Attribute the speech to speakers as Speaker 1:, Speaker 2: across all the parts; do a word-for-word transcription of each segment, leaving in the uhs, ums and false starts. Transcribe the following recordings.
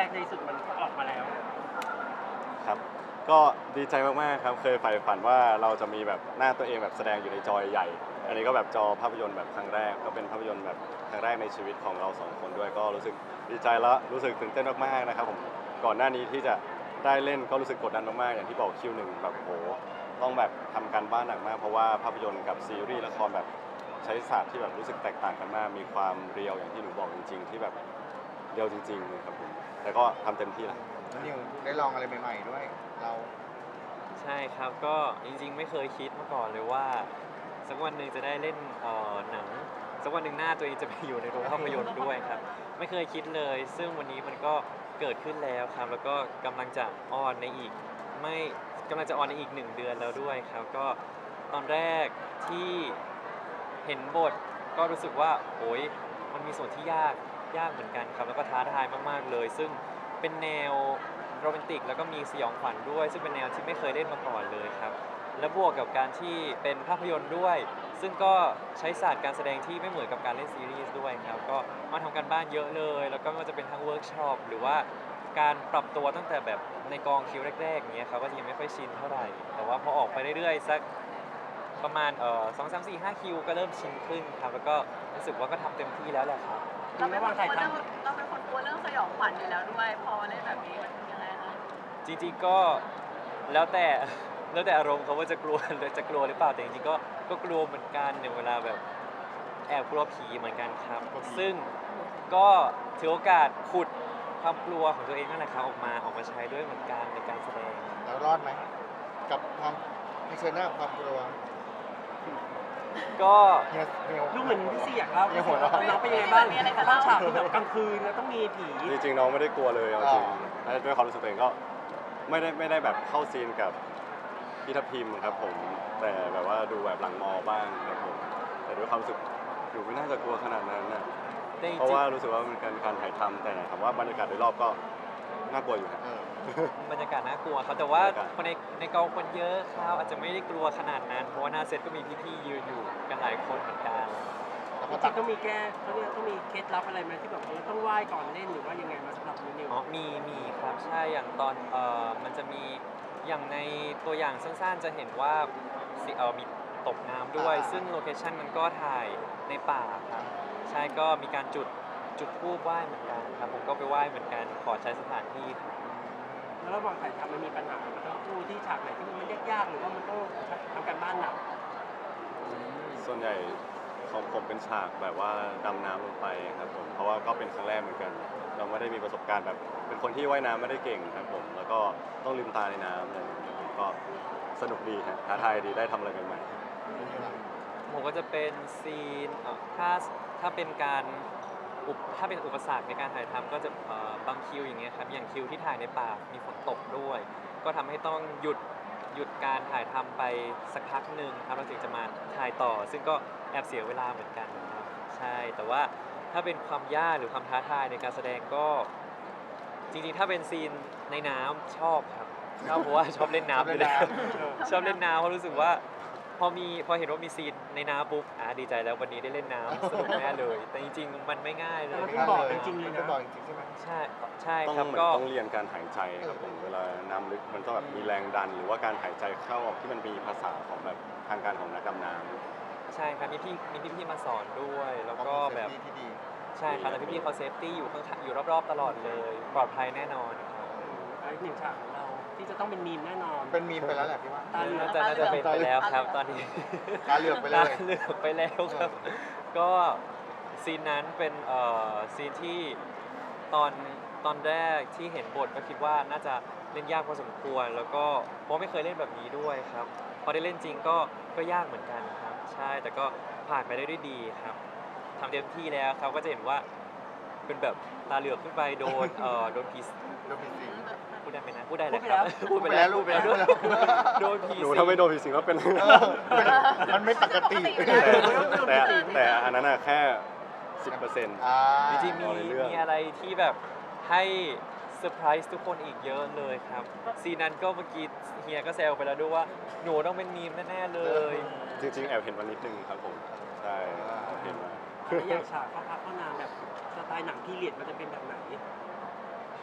Speaker 1: ในที่สุดมันก็ออกมาแล้ว
Speaker 2: ครับก็ดีใจมากๆครับเคยใฝ่ฝันว่าเราจะมีแบบหน้าตัวเองแบบแสดงอยู่ในจอใหญ่อันนี้ก็แบบจอภาพยนตร์แบบครั้งแรกก็เป็นภาพยนตร์แบบครั้งแรกในชีวิตของเราสองคนด้วยก็รู้สึกดีใจและรู้สึกตื่นเต้นมากๆนะครับผมก่อนหน้านี้ที่จะได้เล่นก็รู้สึกกดดันมากๆอย่างที่บอกคิวหนึ่งแบบโหต้องแบบทำการบ้านหนักมากเพราะว่าภาพยนตร์กับซีรีส์ละครแบบใช้ศาสตร์ที่แบบรู้สึกแตกต่างกันมากมีความเรียวอย่างที่หนูบอกจริง ๆ ที่แบบเรียวจริงๆเลยครับผมแต่ก็ทำเต็มที่แล้ว
Speaker 3: นิวได้ลองอะไรใหม่ๆด้วยเรา
Speaker 4: ใช่ครับก็จริงๆไม่เคยคิดมาก่อนเลยว่าสักวันหนึ่งจะได้เล่นเอ่อหนังสักวันหนึ่งหน้าตัวเองจะไปอยู่ในโรงภาพยนตร์ด้วยครับไม่เคยคิดเลย ซึ่งวันนี้มันก็เกิดขึ้นแล้วครับแล้วก็กำลังจะออนในอีกไม่กำลังจะออนในอีกหนึ่งเดือนแล้วด้วยครับก็ตอนแรกที่เห็นบทก็รู้สึกว่าโอ้ยมันมีส่วนที่ยากยากเหมือนกันครับแล้วก็ท้าทายมากๆเลย ซึ่งเป็นแนวโรแมนติกแล้วก็มีสยองขวัญด้วย ซึ่งเป็นแนวที่ไม่เคยเล่นมาก่อนเลยครับและบวกกับการที่เป็นภาพยนตร์ด้วย ซึ่งก็ใช้ศาสตร์การแสดงที่ไม่เหมือนกับการเล่นซีรีส์ด้วยครับก็มาทำกันบ้านเยอะเลย แล้วก็ไม่ว่าจะเป็นทั้งเวิร์กช็อปหรือว่าการปรับตัวตั้งแต่แบบในกองคิวแรกๆอย่างเงี้ยครับก็ยังไม่ค่อยชินเท่าไหร่แต่ว่าพอออกไปเรื่อยๆสักประมาณเอ่อสองสามสี่ห้าคิวก็เริ่มชินขึ้นครับแล้วก็รู้สึกว่าก็ทำเต็มที่แล้วแหละครับ
Speaker 1: เราไม่วางใครท
Speaker 5: เราเป็นคนกลัวเรื่องสยองขวัญอยู่แล้วด้วยพอมาเล่นแบบนี้มันยังไงคะ
Speaker 4: จริงๆก็แล้วแต่ แล้วแต่อารมณ์เขาว่าจะกลัว หรือจะกลัวหรือเปล่าแต่จริงๆก็ก็กลัวเหมือนกันในเวลาแบบแอบกลัวผีเหมือนกันครับ ซึ่งก็ถือโอกาสขุดความกลัวของตัวเองนั่นแหละครับออกมาออกมาใช้ด้วยเหมือนกันในการแสดง
Speaker 3: เรารอดไหมกับความเผชิญหน้ากับความกลัว
Speaker 4: ก็
Speaker 3: เฮียเฮีย
Speaker 1: ำดูเหมือนพี่ซีอยากเล่า
Speaker 3: ยังหัวเราะ
Speaker 1: น้องเป็นยังไงบ้างเข้าฉากที่แบบกลางคืนแล้วต้องมีผี
Speaker 2: จริงๆน้องไม่ได้กลัวเลยเอาจริงและด้วยความรู้สึกตัวเองก็ไม่ได้ไม่ได้แบบเข้าซีนกับพี่ทัพทิมครับผมแต่แบบว่าดูแบบหลังมอบ้างครับผมแต่ด้วยความรู้สึกอยู่ไม่น่าจะกลัวขนาดนั้นนะ
Speaker 4: แต่จริง
Speaker 2: เพราะว่ารู้สึกว่ามันเป็นการถ่ายทำแต่ถามว่าบรรยากาศโดยรอบก็น่ากลัวอยู่นะ
Speaker 3: เออ
Speaker 4: ๆบรรยากาศน่ากลัวครับแต่ว่า
Speaker 2: บรรยากาศ
Speaker 4: คนในในกองคนเยอะครับอาจจะไม่ได้กลัวขนาดนั้นเพราะว่าหน้าเซตก็มีพี่ๆยืนอยู่กันหลายคนเหมือนกัน
Speaker 3: แล้ว
Speaker 1: จ
Speaker 3: ก็
Speaker 1: ริ
Speaker 3: ตั
Speaker 1: ง
Speaker 3: ด
Speaker 1: ๆต้องมีแก้เขาเรียกต้องมีเคล็ดลับอะไรไหมที่แบบเออต้องไหว้ก่อนเล่นหรือว่ายังไงมาสำหรับนิว
Speaker 4: อ๋อมีมีครับใช่อย่างตอนเอ่อมันจะมีอย่างในตัวอย่างสั้นๆจะเห็นว่าสิเอ่อมีตกน้ำด้วย ซึ่งโลเคชั่นมันก็ถ่ายในป่าครับใช่ก็มีการจุดจุดธูปไหว้เหมือนกันครับผมก็ไปไหว้เหมือนกันขอใช้สถานที่ครับ
Speaker 1: แล้วระหว่างถ่ายทำมันมีปัญหามันต้องคู่ที่ฉากไหนที่มันยากๆหรือว่ามันต้องทำการบ้านหนัก
Speaker 2: ส่วนใหญ่ของผมเป็นฉากแบบว่าดำน้ำลงไปครับผมเพราะว่าก็เป็นครั้งแรกเหมือนกัน เราไม่ได้มีประสบการณ์แบบเป็นคนที่ว่ายน้ำไม่ได้เก่งครับผมแล้วก็ต้องลืมตาในน้ำอะไรอย่างเงี้ยครับก็สนุกดีฮะท้าทายดีได้ทำอะไรใหม่ๆ
Speaker 4: ผมก็จะเป็นซีนเอ่อถ้าถ้าเป็นการอุปถ้าเป็นอุปสรรคในการถ่ายทำก็จะเอ่อบางคิวอย่างเงี้ยครับอย่างคิวที่ถ่ายในป่ามีฝนตกด้วย ก็ทำให้ต้องหยุดหยุดการถ่ายทำไปสักพักหนึ่งครับเราถึงจะมาถ่ายต่อ ซึ่งก็แอบเสียเวลาเหมือนกันครับใช่แต่ว่าถ้าเป็นความยากหรือความท้าทายในการแสดงก็จริงๆถ้าเป็นซีนในน้ำชอบครับชอบเพราะว่าชอบเล่นน้ำอยู่แล้ว ชอบเล่นน้ำเพราะรู้สึกว่าพอมีพอเห็นว่ามีซีนในน้ำปุ๊บอ่าดีใจแล้ววันนี้ได้เล่นน้ำสนุกแน่เลย แต่จริงๆ มันไม่ง่ายเลย
Speaker 1: มันต้องบอกจริงๆเลยนะ
Speaker 3: ต้องบอกจริงๆใช่ไหม
Speaker 4: ใช่ใช่
Speaker 2: ต้อง
Speaker 4: ครับ
Speaker 2: เหมือน
Speaker 4: ก็
Speaker 2: ต้องเรียนการหายใจครับผมเวลาน้ำลึกมันต้องแบบมีแรงดัน หรือว่าการหายใจเข้าออกที่มันมีภาษาของแบบทางการของนักดำน้ำ
Speaker 4: ใช่ครับมีพี่มีพี่พี่ๆมาสอนด้วย แล้วก็แบบ
Speaker 3: ที่ดี
Speaker 4: ใช่ครับแล้วพี่พี่ๆเขาเซฟตี้อยู่ข้างๆอยู่รอบๆตลอดเลย ปลอดภัยแน่นอนครับ
Speaker 1: อีกหนึ่งฉากของเราที่จะต้องเป็นมีมแน่นอน
Speaker 3: เป็นมีมไปแล้วแหละพี่ว่า
Speaker 1: ตาเหลือก
Speaker 4: น่าจะน่าจะเป็นไปแล้วครับตอนนี้
Speaker 3: ตาเหลือกไปเลย
Speaker 4: ตาเหลือกไปแล้วครับ ก็ซีนนั้นเป็นเอ่อซีนที่ตอนตอนแรกที่เห็นบทก็คิดว่าน่าจะเล่นยากพอสมควร แล้วก็เพราะไม่เคยเล่นแบบนี้ด้วยครับพอได้เล่นจริงก็ก็ยากเหมือนกันครับ ใช่แต่ก็ผ่านไปได้ด้วยดีครับทำเต็มที่แล้วครับก็จะเห็นว่าเป็นแบบตาเหลือกขึ้นไปโดนเอ่อโดนผี
Speaker 3: โดนผีสิง
Speaker 4: พูดได้ไหมนะพูดได้เลยครับ
Speaker 3: พูดไปแล้ว
Speaker 4: พูดไปแล้ว
Speaker 3: พูดไปแล้ว
Speaker 4: โดนผี
Speaker 2: หนู
Speaker 4: สิง
Speaker 2: ถ้าไม่โดนผีสิงก็เป็น
Speaker 3: เออมันไม่ปกติ
Speaker 2: แต่แต่แต่อันนั้นอะแค่สิบเปอร์เซ็นต์
Speaker 3: อ่า
Speaker 4: จริงๆมี
Speaker 2: เอาในเรื่อง
Speaker 4: มีอะไรที่แบบให้เซอร์ไพรส์ทุกคนอีกเยอะเลยครับซีนนั้นก็เมื่อกี้เฮียก็แซวไปแล้วด้วยว่าหนูต้องเป็นมีมแน่ๆเลย
Speaker 2: จริง ๆ แอบเห็นวันนิดนึงครับผมใช่เห็นมา
Speaker 1: แล้วอย่างฉากเข้าพักเข้านางแบบสไตล์หนังพีเรียดมันจะเป็นแบบไหน
Speaker 5: ที่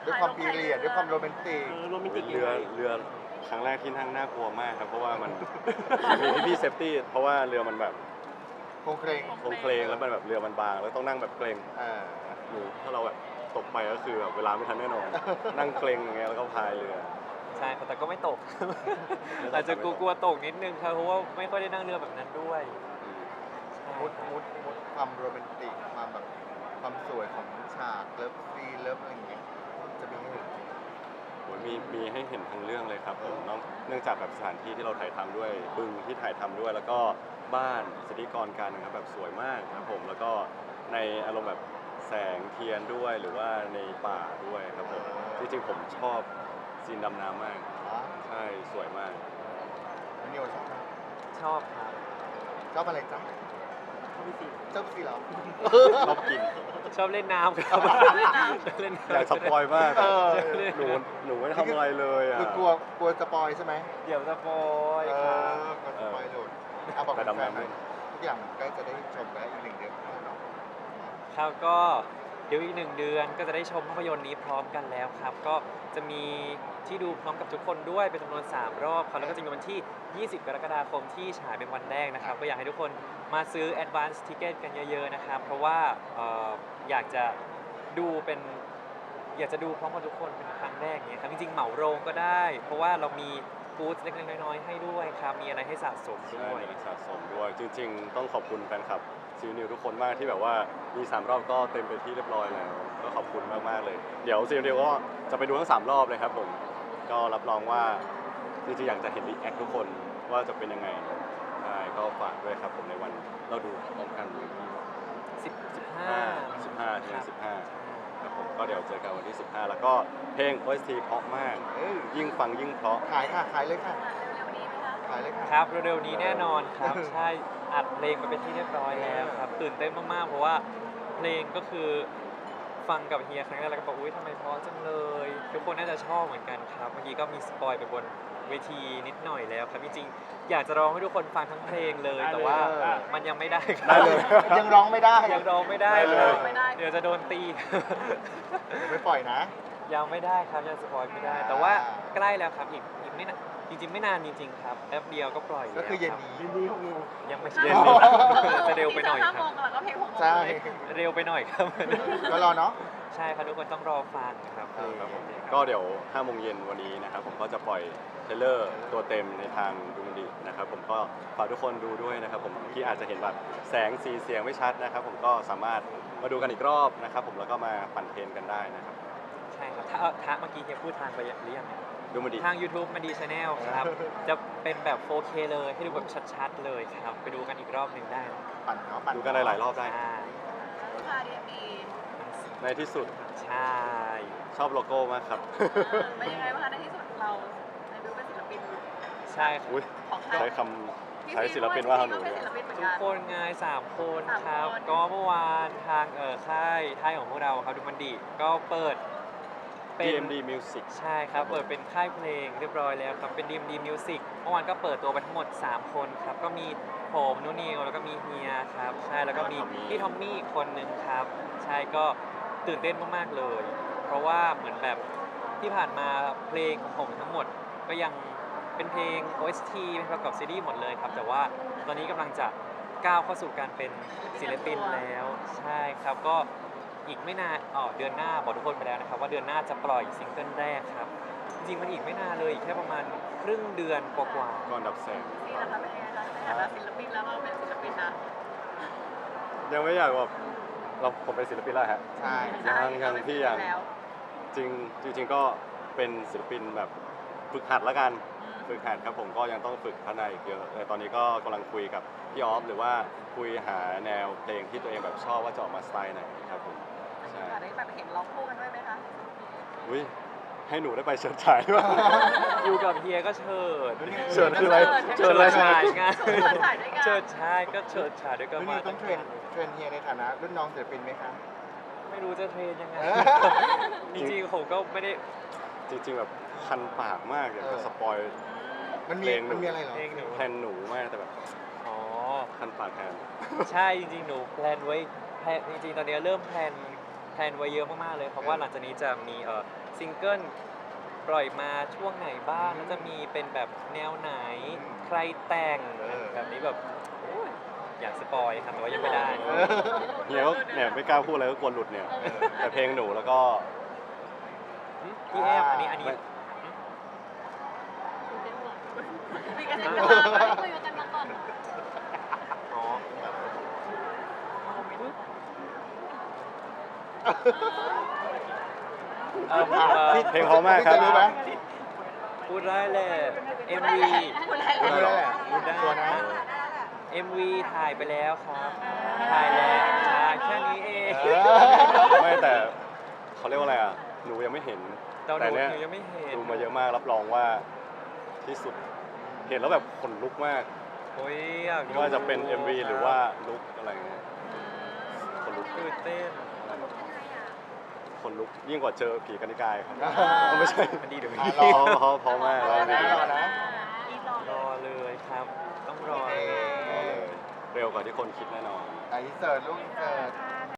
Speaker 3: ด้วยความพีเรียดด้วยความโรแมนติก
Speaker 1: เออโรแมนติก
Speaker 2: เรือเรือครั้งแรกที่นั่งน่ากลัวมากครับ เพราะว่ามัน มีพี่เซฟตี้เพราะว่าเรือมันแบบ
Speaker 3: โครงเครง
Speaker 2: โครงเคลงแล้วมันแบบเรือมันบางแล้วต้องนั่งแบบเกรง
Speaker 3: อ่า
Speaker 2: หนูถ้าเราแบบตกไปก็คือแบบเวลาไม่ทันแน่นอน นั่งเกรงอย่างเงี้ยแล้วก็พายเรือ
Speaker 4: ใช่ครับแต่ก็ไม่ตก อาจจะกลัวๆตกนิดนึงครับเพราะว่าไม่ค่อยได้นั่งเรือแบบนั้นด้วยใช่
Speaker 3: มุด
Speaker 4: ครับ
Speaker 3: มุดมุดความโรแมนติกความแบบความสวยของฉากเลิฟซีนเลิฟอะไรอย่างเงี้ยจะมีให้เห็น
Speaker 2: โอ้ยมีมีให้เห็นทั้งเรื่องเลยครับผมเนอกเนื่องจากแบบสถานที่ที่เราถ่ายทำด้วยบึงที่ถ่ายทำด้วย แล้วก็บ้านสถิกรกันนะครับแบบสวยมากครับผมแล้วก็ในอารมณ์แบบแสงเทียนด้วยหรือว่าในป่าด้วยครับผมจริงๆผมชอบซีนดำน้ำมาก
Speaker 3: อ๋อ
Speaker 2: ใช่สวยมาก
Speaker 3: แล้วนิวชอบไหม
Speaker 4: ชอบครับ
Speaker 3: ชอบอะไรจ๊ะ
Speaker 1: เข้าไปสิ
Speaker 3: ชอบสีเหรอ
Speaker 2: ชอบกิน
Speaker 4: ชอบเล่นน้ำครับชอบเล่นน้ำ
Speaker 2: อยากสปอยมาก
Speaker 3: เออ
Speaker 2: หนูหนูไม่ทำอะไรเลยอ่ะ
Speaker 3: คือกลัวกลัวสปอยใช่ไหม
Speaker 4: เดี๋ยวสปอย
Speaker 3: เอ
Speaker 4: ครั
Speaker 3: อบ กลัวสปอยหลุดเอาบอก
Speaker 2: แต่
Speaker 3: แฟ
Speaker 2: ดำ
Speaker 3: น
Speaker 2: น้ำ
Speaker 3: ๆหน่อยทุกอย่างใกล้จะได้ชมแล้วอีกหนึ่งเดือนแล้วเนาะ
Speaker 4: ครับก็เดี๋ยวอีกหนึ่งเดือนก็จะได้ชมภาพยนตร์นี้พร้อมกันแล้วครับ ก็จะมีที่ดูพร้อมกับทุกคนด้วยเป็นจำนวนสามรอบครับแล้วก็จะมีวันที่ ยี่สิบ กรกฎาคมที่ฉายเป็นวันแรกนะครับ ก็อยากให้ทุกคนมาซื้อ Advance Ticket กันเยอะๆนะครับ เพราะว่าเอ่ออยากจะดูเป็นอยากจะดูพร้อมกับทุกคนเป็นครั้งแรกอย่างเงี้ยครับจริงๆเหมาโรงก็ได้ เพราะว่าเรามีบูธเล็กๆน้อยๆให้ด้วยครับมีอะไรให้สะสม
Speaker 2: ใช่
Speaker 4: ด้วย
Speaker 2: มีนักสะสมด้วย จริง ๆ ต้องขอบคุณแฟนคลับซีนิวทุกคนมากที่แบบว่ามีสามรอบก็เต็มไปที่เรียบร้อยแล้วก็ขอบคุณมากๆเลย เดี๋ยวซีนิวก็จะไปดูทั้งสามรอบเลยครับผมก็รับรองว่าจริงๆอยากจะเห็นรีแอคทุกคนว่าจะเป็นยังไงใช่ก็ฝากด้วยครับผมในวันเราดูพร้อมกัน
Speaker 4: สิบ สิบ
Speaker 2: ห้า
Speaker 4: ห้า
Speaker 2: สิบห้าถึงสิบห้าครับผมก็เดี๋ยวเจอกันวันที่สิบห้าแล้วก็เพลง โอ เอส ที เพราะมาก
Speaker 3: เอ้ย
Speaker 2: ยิ่งฟังยิ่งเพราะ
Speaker 3: ขายค่ะ ขายเลยค่ะ
Speaker 5: เร็วๆนี้ไหมคะ
Speaker 3: ขายเลยค่ะ
Speaker 4: ครับเร็วๆนี้แน่นอนครับ ใช่อัดเพลงไปเป็นที่เรียบร้อยแล้วครับตื่นเต้นมากๆเพราะว่าเพลงก็คือฟังกับเฮียครั้งแรกแล้วก็บอกอุ้ยทำไมเพราะจังเลยทุกคนน่าจะชอบเหมือนกันครับเมื่อกี้ก็มีสปอยไปบนเวทีนิดหน่อยแล้วครับจริงๆอยากจะร้องให้ทุกคนฟังทั้งเพลงเลย แต่ว่ามันยังไม่ได้ครั
Speaker 2: ได้
Speaker 4: บ
Speaker 2: เลย
Speaker 3: ยังร้องไม่ได้
Speaker 4: ยังร้องไม่ได้
Speaker 2: ได้
Speaker 4: เล
Speaker 2: เลย ย
Speaker 5: ไม่ได้
Speaker 4: เดี๋ยวจะโดนตี
Speaker 3: เดี๋ยวไม่ปล่อยนะ
Speaker 4: ยังไม่ได้ครับยังสปอยไม่ได้ แต่ว่าใกล้แล้วครับอีกอีกไม่นานจริงๆไม่นานจริงๆครับแป๊บเดียวก็ปล่อยแล้ว
Speaker 3: ก็คือเย็น
Speaker 4: รับ
Speaker 3: นี้
Speaker 1: ยินดีของนิว
Speaker 4: ยังไม่
Speaker 2: เย็
Speaker 4: ใช่
Speaker 2: นนี้
Speaker 4: จะเร็วไปหน่อย
Speaker 5: ห้า
Speaker 4: ค
Speaker 5: โม
Speaker 4: รับ
Speaker 5: งแล้วก็เพลงหกโมง
Speaker 3: ใช่
Speaker 5: เลย
Speaker 4: เร็วไปหน่อยครับ
Speaker 3: ก็รอเนาะ
Speaker 4: ใช่ครับทุกคนต้องรอฟังครับเพลง
Speaker 2: ครับผม
Speaker 4: นี้
Speaker 2: ก็เดี๋ยวห้าโมงเย็นวันนี้นะครับผมก็จะปล่อยเทรลเลอร์ตัวเต็มในทางดูมันดีนะครับผมก็ฝากทุกคนดูด้วยนะครับผมที่อาจจะเห็นแบบแสงสีเสียงไม่ชัดนะครับผมก็สามารถมาดูกันอีกรอบนะครับผมแล้วก็มาปั่นเทรนกันได้นะครับ
Speaker 4: ใช่ครับถ้าเอาถ้าเมื่อกี้เฮียพูดทางไปหรือยังเนี่ย
Speaker 2: ดูมันดี
Speaker 4: ทาง YouTube มันดีชาแนลครับ จะเป็นแบบ โฟร์เค เลยให้ดูแบบชัดๆเลยครับ ไปดูกันอีกรอบหนึ่งได้นะ
Speaker 3: ปั่นเนาะปั่น
Speaker 2: ดูกันหลายๆรอบได้
Speaker 4: ใช่
Speaker 5: พาดีเอ็มดี
Speaker 2: ในที่สุด
Speaker 4: ใช่
Speaker 2: ชอบโลโก้มากครับ
Speaker 5: เป็นยังไงบ้างคะในที่สุดเราในบิวเป็นศิลปิน
Speaker 4: ใช่ครับ
Speaker 2: อุ้ย
Speaker 5: ของค่าย
Speaker 2: ใช้คำใช้ศิลปินว่าหนู
Speaker 5: เป็
Speaker 2: เนี่
Speaker 5: น
Speaker 2: ย
Speaker 5: ศิลปินเหมือน
Speaker 4: ทุก
Speaker 5: กัน
Speaker 4: คนไงสามคน
Speaker 5: สาม
Speaker 4: ครับ
Speaker 5: คน
Speaker 4: ก็เมื่อวานทางเออค่ายค่ายของพวกเราครับดูมันดีก็เปิดเป็น
Speaker 2: ดี เอ็ม ดี Music
Speaker 4: ใช่ครับ เปิดเป็นค่ายเพลงเรียบร้อยแล้วครับ เป็น ดี เอ็ม ดี Music เมื่อวานก็เปิดตัวไปทั้งหมด สาม คนครับ ก็มีผมนุนิวแล้วก็มีเฮียครับ ใช่ แล้วก็มีพี่ทอมมี่อีกคนนึงครับ ใช่ ก็ตื่นเต้นมากๆเลย เพราะว่าเหมือนแบบที่ผ่านมาเพลงของผมทั้งหมดก็ยังเป็นเพลง โอ เอส ที เป็นประกอบซีรีส์หมดเลยครับ แต่ว่าตอนนี้กำลังจะก้าวเข้าสู่การเป็นศิลปินแล้ว ใช่ครับ ก็อีกไม่นานอ๋อเดือนหน้าบอกทุกคนไปแล้วนะครับว่าเดือนหน้าจะปล่อยซิงเกิลแรกครับ จริงๆมันอีกไม่นานเลยอีกแค่ประมาณครึ่งเดือนกว่า
Speaker 2: ก่อนดับแสง
Speaker 5: นี่แหละคะเป็นยังไงคะในฐานะศิลปินแล้วเราเป็นศิลปินนะ
Speaker 2: ยังไม่อยากแบบเราผมเป็นศิลปินแล้วฮะ
Speaker 3: ใช่
Speaker 2: ยังยังพี่ยัง
Speaker 5: แล้ว
Speaker 2: จริงจริง ๆ ก็เป็นศิลปินแบบฝึกหัดแล้วกัน ฝึกหัดครับผมก็ยังต้องฝึกพัฒนาอีกเยอะแต่ตอนนี้ก็กำลังคุยกับพี่ออฟหรือว่าคุยหาแนวเพลงที่ตัวเองแบบชอบว่าจะออกมาสไตล์ไหนครับผม
Speaker 5: มี
Speaker 2: ใช่
Speaker 5: โอกาสได้แบบเห็นร้องคู่กันด้วยไหมคะ
Speaker 2: อุ้ยให้หนูได้ไปเฉิดฉายด้วย
Speaker 4: ๆ อยู่กับเฮียก็เชิด
Speaker 2: เฉิดคืออะไร
Speaker 4: เฉิดฉายไง
Speaker 5: เชิดฉายด้วยกัน
Speaker 4: เฉิดฉายก็เฉิดฉายด้วยกัน
Speaker 3: แล้ว
Speaker 4: มา
Speaker 3: นี่ต้องเทรนเทรนเฮียในฐานะรุ่นน้องศิลปินไหมคะ
Speaker 4: ไม่รู้จะเทรนยังไง
Speaker 3: เออ
Speaker 4: จริงๆผมก็ไม่ได้
Speaker 2: จริง ๆ แบบคันปากมากอยากจะสปอย
Speaker 3: มันมี
Speaker 2: เพลงหนู
Speaker 3: มันมีอะไรเหรอ
Speaker 4: เพลงหนู
Speaker 2: แทนหนูมากแต่แบบ
Speaker 4: อ๋อ
Speaker 2: คันปากแทน
Speaker 4: ใช่จริงๆ หนูแพลนไว้แพลนจริงๆ ตอนนี้เริ่มแพลนแพลนไว้เยอะมากๆเลยเพราะว่าหลังจากนี้จะมีเอ่อซิงเกิลปล่อยมาช่วงไหนบ้างแล้วจะมีเป็นแบบแนวไหนใครแต่งแบบนี้แบบโอ้ยอยากสปอยครับแต่ว่ายังไม่ได้
Speaker 2: เนี่ยก็เนี่ยไม่กล้าพูดอะไรก็กลัวหลุดเนี่ยแต่เพลงหนูแล้วก็
Speaker 4: พี่แอมอันนี้อันนี้
Speaker 5: มีกัน
Speaker 4: อ่า
Speaker 5: กันมา
Speaker 6: คุยกันมาก่อน
Speaker 4: อ๋อเอ่อเอ่อ
Speaker 2: เพลงเพราะมากครับ
Speaker 3: พี่จะรู้ไหม
Speaker 4: พูดได้แหละ เอ็ม วี
Speaker 5: คุณอะไร
Speaker 3: รู้แล้วแหละ
Speaker 4: พูดได้
Speaker 3: ตัวนะ
Speaker 4: เอ็ม วี ถ่ายไปแล้วครับ ถ่ายแล้วใช่แค่นี้เอง
Speaker 3: เออ
Speaker 2: ไม่แต่เขาเรียกว่าอะไรอ่ะหนูยังไม่เห็น
Speaker 4: แต่หนู
Speaker 2: แต่เนี้ย
Speaker 4: หนูยังไม่เห็น
Speaker 2: ดูมาเยอะมากรับรองว่าที่สุดเห็นแล้วแบบขนลุกมาก
Speaker 4: โอ้ยอยาก
Speaker 2: ไม่
Speaker 4: ดู
Speaker 2: ว่าจะเป็น เอ็ม วี หรือว่าลุกอะไรเงี้ยขนลุก
Speaker 4: ตื่นเต้น
Speaker 2: ขนลุกยิ่งกว่าเจอผีกันนิกายครับไม่ใช่
Speaker 4: มันดีเดี๋ยว
Speaker 3: อ่ะ
Speaker 4: นี้
Speaker 3: รอ
Speaker 2: เพราะเพราะเพราะมาก
Speaker 3: รอนะรอนะ
Speaker 5: อีรอ
Speaker 4: รอเลยครับ ต้องรอ
Speaker 3: โอเค
Speaker 2: รอเลยเร็วกว่าที่คนคิดแน่นอน
Speaker 3: อ่ะอินเสิร์ตลูกอินเสิร์ต
Speaker 5: ค่ะ